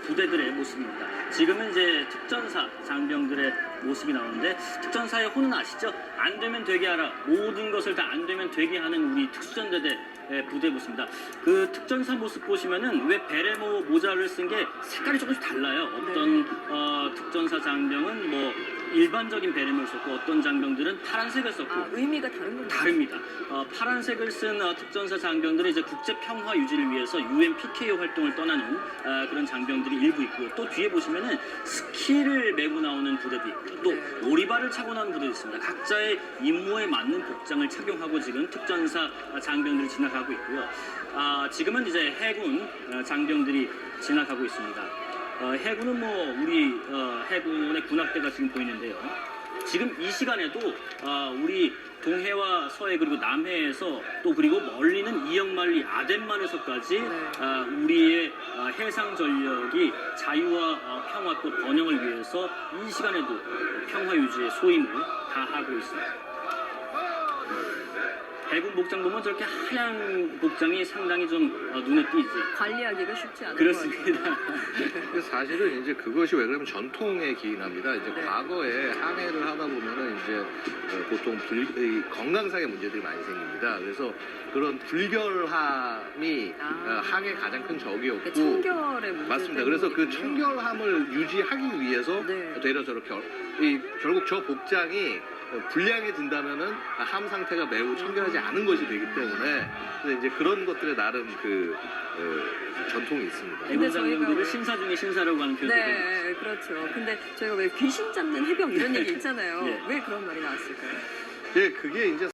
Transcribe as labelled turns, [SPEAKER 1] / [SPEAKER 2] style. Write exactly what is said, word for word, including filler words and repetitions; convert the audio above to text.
[SPEAKER 1] 부대들의 모습입니다. 지금은 이제 특전사 장병들의 모습이 나오는데 특전사의 호는 아시죠? 안 되면 되게 하라. 모든 것을 다 안 되면 되게 하는 우리 특수전대대 부대 모습입니다. 그 특전사 모습 보시면은 왜 베레모 모자를 쓴 게 색깔이 조금씩 달라요. 어떤
[SPEAKER 2] 네.
[SPEAKER 1] 어, 특전사 장병은 뭐 일반적인 베레모를 썼고 어떤 장병들은 파란색을 썼고
[SPEAKER 2] 아, 의미가 다른 건가요?
[SPEAKER 1] 다릅니다. 어, 파란색을 쓴 어, 특전사 장병들은 이제 국제 평화 유지를 위해서 유엔 피케이오 활동을 떠나는 어, 그런 장병들이 일부 있고요. 또 뒤에 보시면은 스키를 메고 나오는 부대도 있고요. 또
[SPEAKER 2] 네.
[SPEAKER 1] 오리발을 차고 나오는 부대도 있습니다. 각자의 임무에 맞는 복장을 착용하고 지금 특전사 장병들이 지나가고 있고요. 아, 지금은 이제 해군 어, 장병들이 지나가고 있습니다. 어, 해군은 뭐 우리 어, 해군의 군악대가 지금 보이는데요. 지금 이 시간에도 어, 우리 동해와 서해 그리고 남해에서 또 그리고 멀리는 이역만리 아덴만에서까지
[SPEAKER 2] 네.
[SPEAKER 1] 어, 우리의 어, 해상 전력이 자유와 어, 평화 또 번영을 위해서 이 시간에도 평화 유지의 소임을 다하고 있습니다. 해군 복장 보면 저렇게 하얀 복장이 상당히 좀 어, 눈에 띄지.
[SPEAKER 2] 관리하기가 쉽지 않은
[SPEAKER 1] 그렇습니다.
[SPEAKER 3] 근데 사실은 이제 그것이 왜 그러면 전통에 기인합니다. 이제
[SPEAKER 2] 네.
[SPEAKER 3] 과거에 항해를 하다 보면은 이제 어, 보통 불, 이 건강상의 문제들이 많이 생깁니다. 그래서 그런 불결함이
[SPEAKER 2] 아.
[SPEAKER 3] 어, 항해 가장 큰 적이었고.
[SPEAKER 2] 청결의 문제
[SPEAKER 3] 맞습니다. 그래서 그
[SPEAKER 2] 때문이군요.
[SPEAKER 3] 청결함을 유지하기 위해서
[SPEAKER 2] 네.
[SPEAKER 3] 되려 저렇게 어- 이, 결국 저 복장이 불량해진다면은 함 상태가 매우 청결하지 않은 것이 되기 때문에 이제 그런 것들에 나름 그 어, 전통이 있습니다.
[SPEAKER 2] 근데
[SPEAKER 1] 해군
[SPEAKER 2] 저희가
[SPEAKER 1] 장병들을
[SPEAKER 2] 왜-
[SPEAKER 1] 신사 중에 신사라고 하는 표현도 되고
[SPEAKER 2] 네, 그렇죠. 근데 저희가 왜 귀신 잡는 해병 이런 얘기 있잖아요.
[SPEAKER 1] 네.
[SPEAKER 2] 왜 그런 말이 나왔을까요?
[SPEAKER 3] 예, 그게 이제